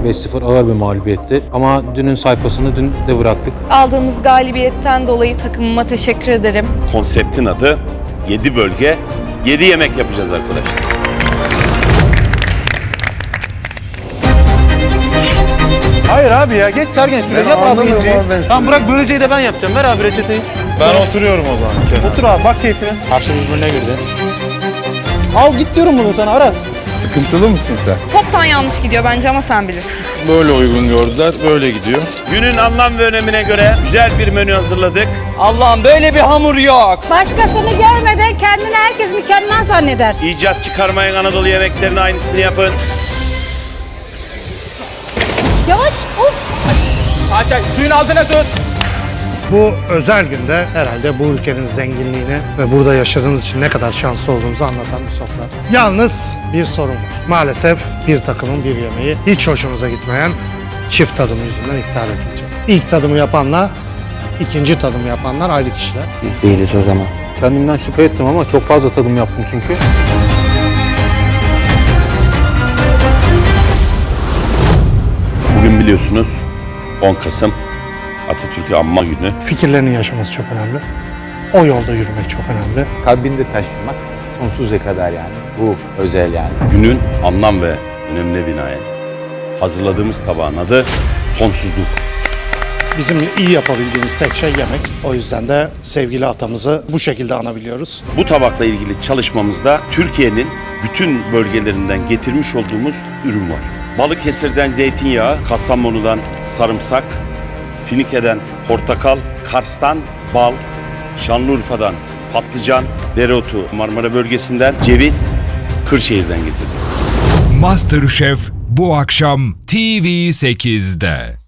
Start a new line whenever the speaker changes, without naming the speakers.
5-0 ağır bir mağlubiyetti. Ama dünün sayfasını dün de bıraktık.
Aldığımız galibiyetten dolayı takımıma teşekkür ederim.
Konseptin adı 7 bölge, 7 yemek yapacağız arkadaşlar.
Hayır abi ya, geç Sergen şuraya, yap abi inciyi. Tamam bırak, böleceği de ben yapacağım. Ver abi reçeteyi.
Ben oturuyorum o zaman kenara.
Otur abi, bak keyfine. Karşı birbirine girdi. Al git diyorum bunu sana Aras.
Sıkıntılı mısın sen?
Toptan yanlış gidiyor bence ama sen bilirsin.
Böyle uygun gördüler, böyle gidiyor.
Günün anlam ve önemine göre güzel bir menü hazırladık.
Allah'ım böyle bir hamur yok.
Başkasını görmeden kendini herkes mükemmel zanneder.
İcat çıkarmayın, Anadolu yemeklerinin aynısını yapın.
Yavaş, of!
Ayşe suyun altına tut.
Bu özel günde herhalde bu ülkenin zenginliğini ve burada yaşadığımız için ne kadar şanslı olduğumuzu anlatan bir sofra. Yalnız bir sorun var. Maalesef bir takımın bir yemeği hiç hoşumuza gitmeyen çift tadım yüzünden iptal edilecek. İlk tadımı yapanla ikinci tadımı yapanlar ayrı kişiler.
Biz değiliz o zaman. Kendimden şüphe ettim ama çok fazla tadım yaptım çünkü.
Bugün biliyorsunuz 10 Kasım Atatürk'ü anma günü.
Fikirlerini yaşaması çok önemli. O yolda yürümek çok önemli.
Kalbinde taşımak sonsuza kadar yani. Bu özel yani.
Günün anlam ve önemine binaen hazırladığımız tabağın adı sonsuzluk.
Bizim iyi yapabildiğimiz tek şey yemek. O yüzden de sevgili atamızı bu şekilde anabiliyoruz.
Bu tabakla ilgili çalışmamızda Türkiye'nin bütün bölgelerinden getirmiş olduğumuz ürün var. Balıkesir'den zeytinyağı, Kastamonu'dan sarımsak, Finike'den portakal, Kars'tan bal, Şanlıurfa'dan patlıcan, dereotu, Marmara bölgesinden ceviz, Kırşehir'den getirdik.
MasterChef bu akşam TV8'de.